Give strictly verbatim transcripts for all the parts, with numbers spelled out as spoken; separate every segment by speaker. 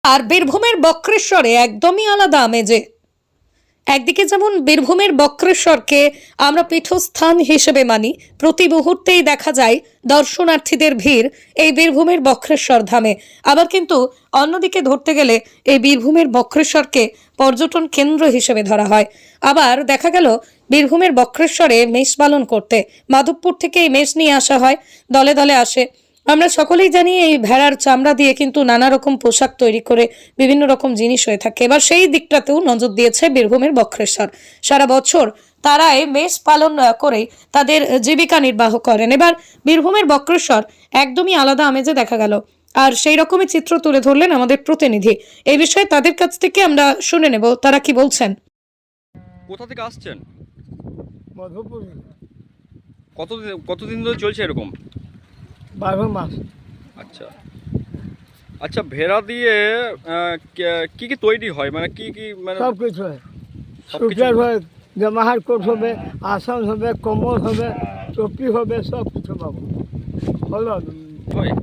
Speaker 1: আর বীরভূমের বক্রেশ্বরে একদমই আলাদা আমেজে। একদিকে যেমন বীরভূমের বক্রেশ্বরকে আমরা পীঠস্থান হিসেবে মানি, প্রতি মুহূর্তেই দেখা যায় দর্শনার্থীদের ভিড় এই বীরভূমের বক্রেশ্বর ধামে। আবার কিন্তু অন্যদিকে ধরতে গেলে এই বীরভূমের বক্রেশ্বরকে পর্যটন কেন্দ্র হিসেবে ধরা হয়। আবার দেখা গেল বীরভূমের বক্রেশ্বরে মেষ পালন করতে মাধবপুর থেকে এই মেষ নিয়ে আসা হয়, দলে দলে আসে। আমরা সকলেই জানি এই ভেড়ার চামড়া দিয়ে কিন্তু নানা রকম পোশাক তৈরি করে বিভিন্ন রকম জিনিস হয়ে থাকে। এবার সেই দিকটাতেও নজর দিয়েছে বীরভূমের বক্রেশ্বর। সারা বছর তারা এই মেষ পালন করে তাদের জীবিকা নির্বাহ করেন। এবার বীরভূমের বক্রেশ্বর একদমই আলাদা আমেজে দেখা গেল, আর সেই রকমই চিত্র তুলে ধরলেন আমাদের প্রতিনিধি। এই বিষয়ে তাদের কাছ থেকে আমরা শুনে নেব তারা কি বলছেন।
Speaker 2: কোথা থেকে আসছেন?
Speaker 3: মধুপুর।
Speaker 2: কতদিন কতদিন ধরে চলছে এরকম?
Speaker 3: বারো মাস।
Speaker 2: আচ্ছা আচ্ছা, ভেড়া দিয়ে আহ, কি কি তৈরি হয়, মানে কি কি মানে
Speaker 3: সব কিছু হয়,
Speaker 2: সবকিছু?
Speaker 3: সুটার হয়, জামাহার কোট হবে, আসন হবে, কম্বল হবে, টপি হবে, সব কিছু পাবো। হলো
Speaker 2: হয়?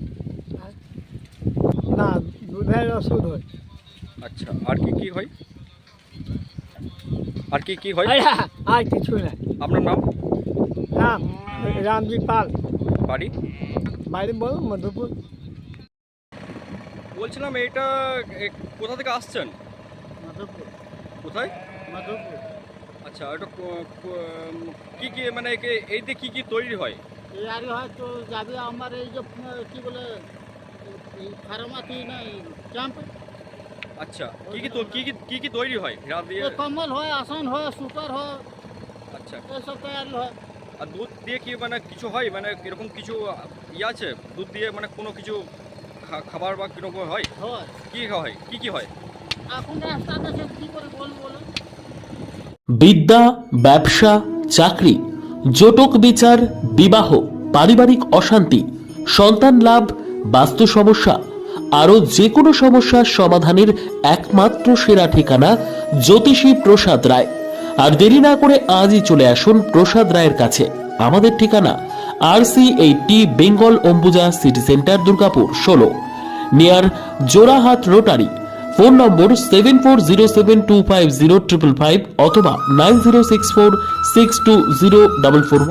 Speaker 3: না, দুধের ওষুধ হয়।
Speaker 2: আচ্ছা, আর কি কি হয়? আর কি কি হয়?
Speaker 3: আর কিছু না।
Speaker 2: আপনার নাম?
Speaker 3: নাম রামজি পাল।
Speaker 2: বাড়ি?
Speaker 3: বাড়ি বলো মধুপুর।
Speaker 2: বলছিলাম এটা এ, কোথা থেকে আসছেন?
Speaker 3: মধুপুর।
Speaker 2: কোথায়?
Speaker 3: মধুপুর।
Speaker 2: আচ্ছা, এটা কো- কো- কি কি মানে একে- এই দিয়ে কি কি তৈরি হয়?
Speaker 3: এই আর হয়তো যাবে আমার এই যে কি বলে ফার্মাতি না ক্যাম্প,
Speaker 2: আচ্ছা, কি কি তো- কি কি কি কি তৈরি হয় ভেড়া দিয়ে?
Speaker 3: কম্বল হয়, আসন হয়, সুটার হয়,
Speaker 2: আচ্ছা,
Speaker 3: এসব তৈরি হয়।
Speaker 2: আর দুধ দিয়ে কি মানে কিছু হয়, মানে এরকম কিছু ইয়ে আছে দুধ দিয়ে, মানে কোনো কিছু খা- খাবার বা কিরকম হয়?
Speaker 3: হয়
Speaker 2: কি হয়, কি কি হয়?
Speaker 3: এখন রাস্তাতে সে কি করে বলবো বলো।
Speaker 4: বিদ্যা, ব্যবসা, চাকরি, জটক বিচার, বিবাহ, পারিবারিক অশান্তি, সন্তান লাভ, বাস্তু সমস্যা, আরও যে কোনো সমস্যার সমাধানের একমাত্র সেরা ঠিকানা জ্যোতিষী প্রসাদ রায়। আর দেরি না করে আজই চলে আসুন প্রসাদ রায়ের কাছে। আমাদের ঠিকানা R C eighty Bengal Ambuja city centre, Durgapur ষোলো, near Jorahat rotary. Phone number seven four zero seven two five zero triple five অথবা nine zero six four six two zero double four.